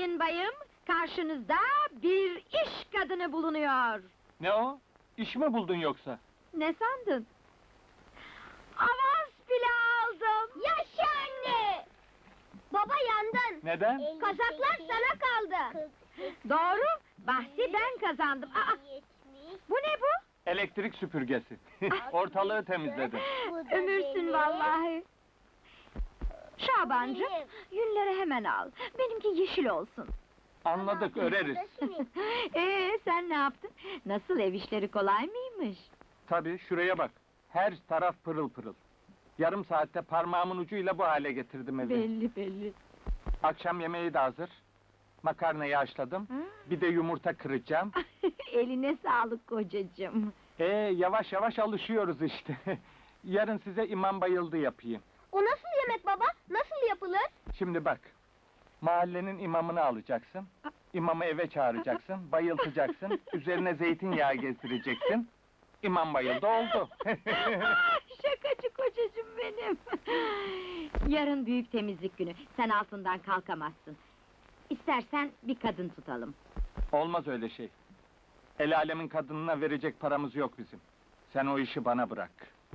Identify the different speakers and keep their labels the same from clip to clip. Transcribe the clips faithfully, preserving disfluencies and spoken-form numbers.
Speaker 1: Sayın bayım, karşınızda bir iş kadını bulunuyor.
Speaker 2: Ne o? İş mi buldun yoksa?
Speaker 1: Ne sandın? Avans bile aldım.
Speaker 3: Yaşa anne! Baba yandın.
Speaker 2: Neden?
Speaker 3: Kazaklar sana kaldı.
Speaker 1: Doğru, bahsi ben kazandım. Aa, bu ne bu?
Speaker 2: Elektrik süpürgesi. Ortalığı temizledim.
Speaker 1: Ömürsün vallahi. Şabancığım, yünleri hemen al. Benimki yeşil olsun.
Speaker 2: Anladık, öreriz.
Speaker 1: Ee, sen ne yaptın? Nasıl, ev işleri kolay mıymış?
Speaker 2: Tabii, şuraya bak. Her taraf pırıl pırıl. Yarım saatte parmağımın ucuyla bu hale getirdim evi.
Speaker 1: Belli belli.
Speaker 2: Akşam yemeği de hazır. Makarnayı haşladım.
Speaker 1: Ha?
Speaker 2: Bir de yumurta kıracağım.
Speaker 1: Eline sağlık kocacığım.
Speaker 2: Ee, yavaş yavaş alışıyoruz işte. Yarın size imam bayıldı yapayım.
Speaker 3: O nasıl yemek baba? Nasıl yapılır?
Speaker 2: Şimdi bak. Mahallenin imamını alacaksın. İmamı eve çağıracaksın, bayıltacaksın. Üzerine zeytinyağı gezdireceksin. İmam bayıldı, oldu.
Speaker 1: Ah, şakacı kocacığım benim. Yarın büyük temizlik günü. Sen altından kalkamazsın. İstersen bir kadın tutalım.
Speaker 2: Olmaz öyle şey. El alemin kadınına verecek paramız yok bizim. Sen o işi bana bırak.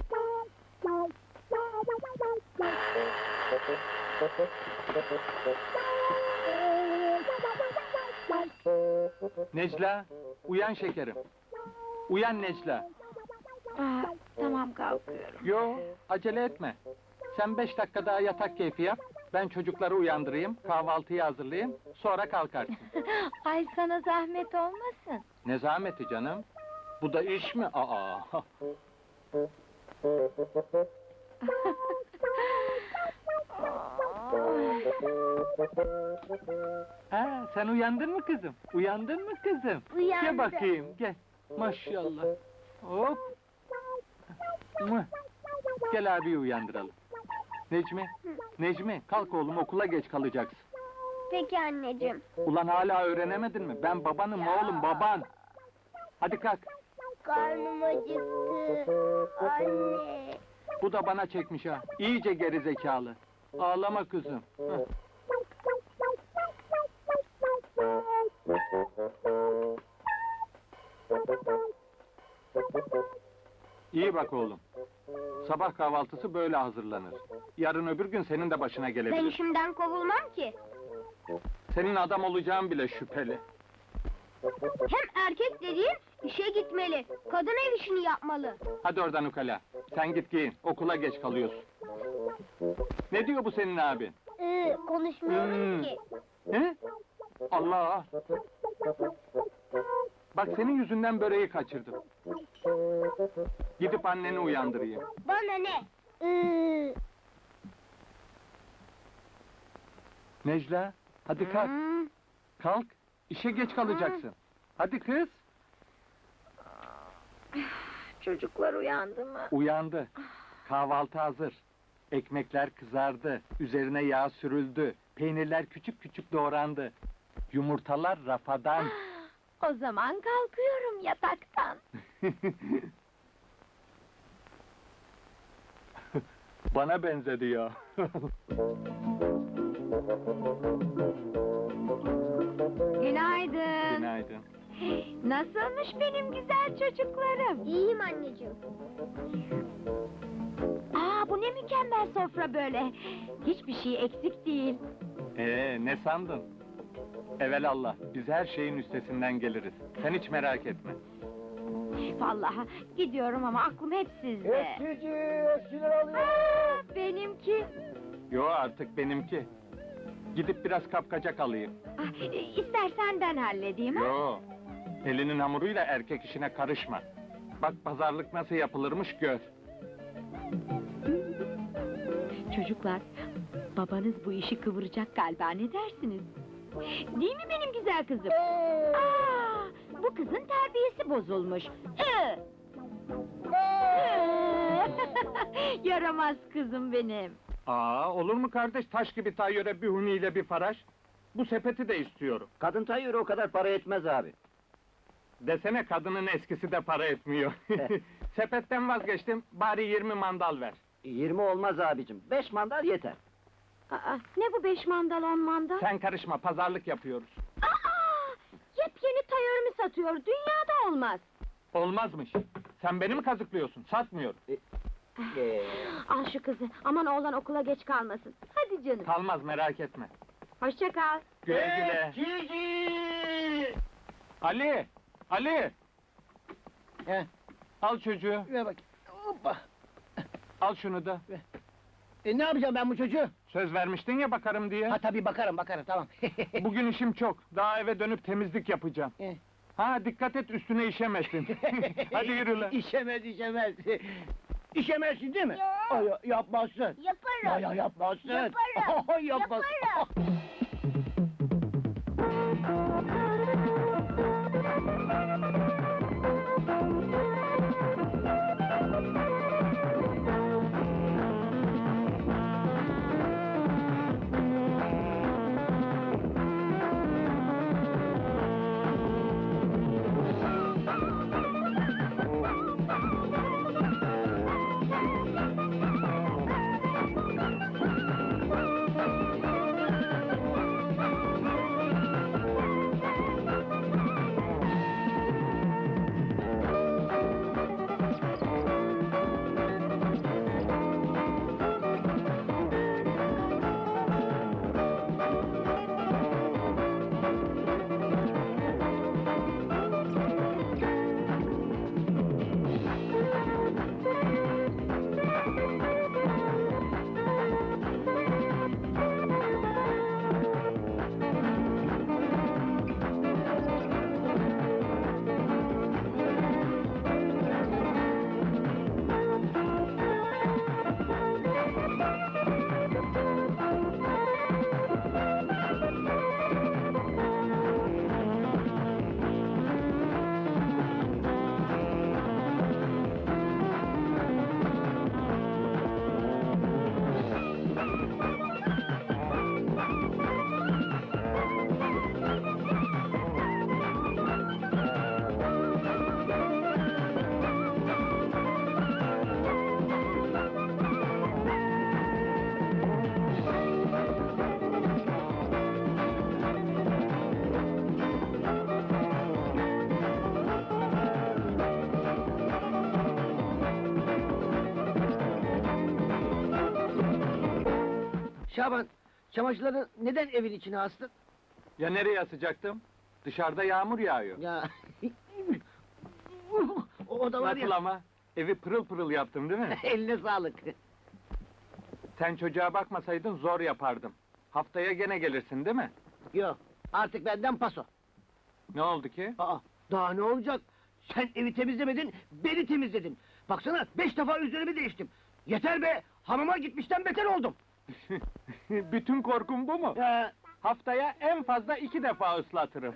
Speaker 2: Necla, uyan şekerim. Uyan Necla.
Speaker 1: Aa, tamam, kalkıyorum.
Speaker 2: Yo, acele etme. Sen beş dakika daha yatak keyfi yap. Ben çocukları uyandırayım, kahvaltıyı hazırlayayım, sonra kalkarsın.
Speaker 1: Ay, sana zahmet olmasın.
Speaker 2: Ne zahmeti canım? Bu da iş mi? Aa! Ha, sen uyandın mı kızım? Uyandın mı kızım?
Speaker 3: Uyandım.
Speaker 2: Gel bakayım, gel. Maşallah. Hop! Mıh! Gel abiyi uyandıralım. Necmi, Necmi, kalk oğlum, okula geç kalacaksın.
Speaker 3: Peki anneciğim.
Speaker 2: Ulan hala öğrenemedin mi? Ben babanım oğlum, baban! Hadi kalk,
Speaker 3: Karnım acıktı. Anne.
Speaker 2: bu da bana çekmiş ha, iyice geri zekalı. Ağlama kızım. Heh. İyi bak oğlum. Sabah kahvaltısı böyle hazırlanır. Yarın öbür gün senin de başına
Speaker 3: Ben
Speaker 2: gelebilir.
Speaker 3: işimden kovulmam ki.
Speaker 2: Senin adam olacağın bile şüpheli.
Speaker 3: Hem erkek dediğin işe gitmeli. Kadın ev işini yapmalı.
Speaker 2: Hadi oradan ukala. Sen git giyin, okula geç kalıyorsun. Ne diyor bu senin abin?
Speaker 3: Ee, konuşmuyorum
Speaker 2: Hmm.
Speaker 3: ki.
Speaker 2: He? Allah! Bak senin yüzünden böreği kaçırdım. Gidip anneni uyandırayım.
Speaker 3: Bana ne? Ee,
Speaker 2: Necla, hadi kalk,
Speaker 1: Hmm.
Speaker 2: kalk. İşe geç kalacaksın. Hadi kız.
Speaker 1: Çocuklar uyandı mı?
Speaker 2: Uyandı. Kahvaltı hazır. Ekmekler kızardı. Üzerine yağ sürüldü. Peynirler küçük küçük doğrandı. Yumurtalar rafadan.
Speaker 1: O zaman kalkıyorum yataktan.
Speaker 2: Bana benzedi ya.
Speaker 1: Günaydın.
Speaker 2: Günaydın.
Speaker 1: Nasılmış benim güzel çocuklarım?
Speaker 3: iyiyim anneciğim.
Speaker 1: Aa, bu ne mükemmel sofra böyle. Hiçbir şey eksik değil.
Speaker 2: Ee, ne sandın? Evelallah, biz her şeyin üstesinden geliriz. Sen hiç merak etme.
Speaker 1: Vallahi gidiyorum ama aklım hep sizde.
Speaker 4: Eskici, eskiler alıyor.
Speaker 1: Aa, benimki.
Speaker 2: Yo, artık benimki. Gidip biraz kapkacak alayım.
Speaker 1: Ah, e, istersen ben halledeyim ha?
Speaker 2: Yo, elinin hamuruyla erkek işine karışma. Bak pazarlık nasıl yapılırmış gör.
Speaker 1: Çocuklar, babanız bu işi kıvıracak galiba, ne dersiniz? Değil mi benim güzel kızım? Aa, bu kızın terbiyesi bozulmuş. Ee! Ee! Yaramaz kızım benim.
Speaker 2: Aa, olur mu kardeş, taş gibi tayyöre bir huniyle bir faraş? Bu sepeti de istiyorum.
Speaker 4: Kadın tayyörü o kadar para etmez abi.
Speaker 2: Desene kadının eskisi de para etmiyor. Sepetten vazgeçtim, bari yirmi mandal ver.
Speaker 4: Yirmi olmaz abicim, beş mandal yeter.
Speaker 1: Aa, ne bu beş mandal on mandal?
Speaker 2: Sen karışma, pazarlık yapıyoruz.
Speaker 1: Aa, yepyeni tayörümü satıyor, dünyada olmaz.
Speaker 2: Olmazmış. Sen beni mi kazıklıyorsun? Satmıyorum.
Speaker 4: Ee,
Speaker 1: Al şu kızı, aman oğlan okula geç kalmasın. Hadi canım,
Speaker 2: Kalmaz, merak etme.
Speaker 1: hoşça kal.
Speaker 2: Güle güle.
Speaker 4: Cici!
Speaker 2: Ali! Ali!
Speaker 4: He,
Speaker 2: Al çocuğu,
Speaker 4: ver bak. Hoppa.
Speaker 2: al şunu da.
Speaker 4: E, ne yapacağım ben bu çocuğu?
Speaker 2: Söz vermiştin ya bakarım diye.
Speaker 4: Ha tabii bakarım bakarım tamam.
Speaker 2: Bugün işim çok. Daha eve dönüp temizlik yapacağım.
Speaker 4: Eh.
Speaker 2: Ha, dikkat et üstüne işemesin. Hadi yürü lan.
Speaker 4: İşemez işemez. İşemezsin değil mi? Ay, ya- yapmazsın.
Speaker 3: Yaparım.
Speaker 4: Ya ya yapmazsın.
Speaker 3: Yaparım.
Speaker 4: Ay, yapmaz.
Speaker 3: Yaparım.
Speaker 4: Şaban, çamaşırları neden evin içine astın?
Speaker 2: Ya nereye asacaktım? Dışarıda yağmur yağıyor.
Speaker 4: Ya... o, o da var
Speaker 2: Nasıl
Speaker 4: ya...
Speaker 2: ama? Evi pırıl pırıl yaptım değil mi?
Speaker 4: Eline sağlık.
Speaker 2: Sen çocuğa bakmasaydın zor yapardım. Haftaya gene gelirsin değil mi?
Speaker 4: Yok, artık benden paso.
Speaker 2: Ne oldu ki?
Speaker 4: Aa, daha ne olacak? Sen evi temizlemedin, beni temizledin. Baksana, beş defa üzerimi değiştim. Yeter be, hamama gitmişten beter oldum.
Speaker 2: Bütün korkum bu mu?
Speaker 4: Ee,
Speaker 2: Haftaya en fazla iki defa ıslatırım.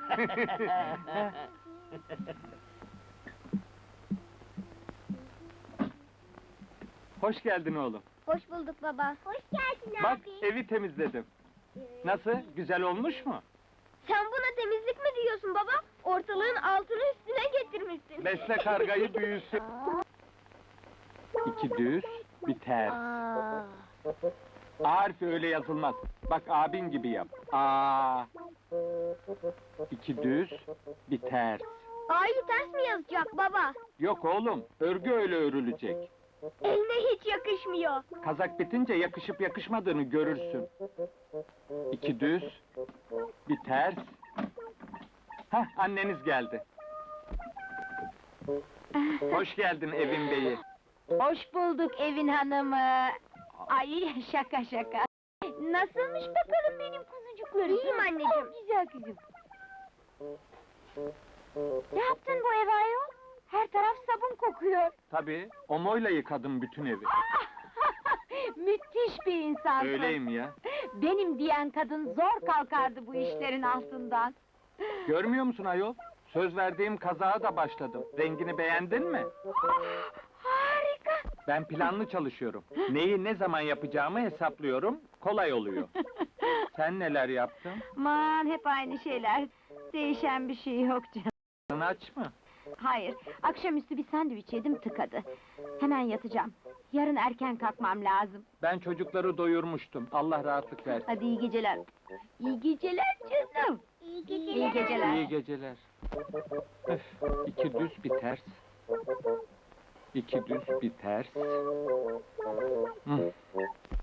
Speaker 2: Hoş geldin oğlum.
Speaker 3: Hoş bulduk baba. Hoş geldin
Speaker 2: Bak evi temizledim. Nasıl? Güzel olmuş mu?
Speaker 3: Sen buna temizlik mi diyorsun baba? Ortalığın altını üstüne getirmişsin.
Speaker 2: Besle kargayı büyüsün. İki düz, bir ters.
Speaker 3: Aa.
Speaker 2: A harfi öyle yazılmaz. Bak abin gibi yap. A. İki düz, bir ters.
Speaker 3: A'yı ters mi yazacak baba?
Speaker 2: Yok oğlum, örgü öyle örülecek.
Speaker 3: Eline hiç yakışmıyor.
Speaker 2: Kazak bitince yakışıp yakışmadığını görürsün. İki düz, bir ters. Hah, anneniz geldi. Hoş geldin evin beyi.
Speaker 1: Hoş bulduk evin hanımı. Ay şaka şaka. Nasılmış bakalım benim kuzucuklarım?
Speaker 3: İyiyim anneciğim.
Speaker 1: Oh, güzel kızım. Ne yaptın bu eve ayol? Her taraf sabun kokuyor.
Speaker 2: Tabii, omoyla yıkadım bütün evi.
Speaker 1: Müthiş bir insansın.
Speaker 2: Öyleyim ya.
Speaker 1: Benim diyen kadın zor kalkardı bu işlerin altından.
Speaker 2: Görmüyor musun ayol? Söz verdiğim kazağa da başladım. Rengini beğendin mi?
Speaker 1: Harika.
Speaker 2: Ben planlı çalışıyorum. Neyi ne zaman yapacağımı hesaplıyorum, kolay oluyor. Sen neler yaptın?
Speaker 1: Aman hep aynı şeyler. Değişen bir şey yok canım.
Speaker 2: Sen aç mı?
Speaker 1: Hayır, akşamüstü bir sandviç yedim tıkadı. Hemen yatacağım. Yarın erken kalkmam lazım.
Speaker 2: Ben çocukları doyurmuştum. Allah rahatlık versin.
Speaker 1: Hadi iyi geceler. İyi geceler canım.
Speaker 3: İyi geceler.
Speaker 1: İyi geceler.
Speaker 2: İyi geceler. Öf, iki düz bir ters. İki düz bir ters. Hı.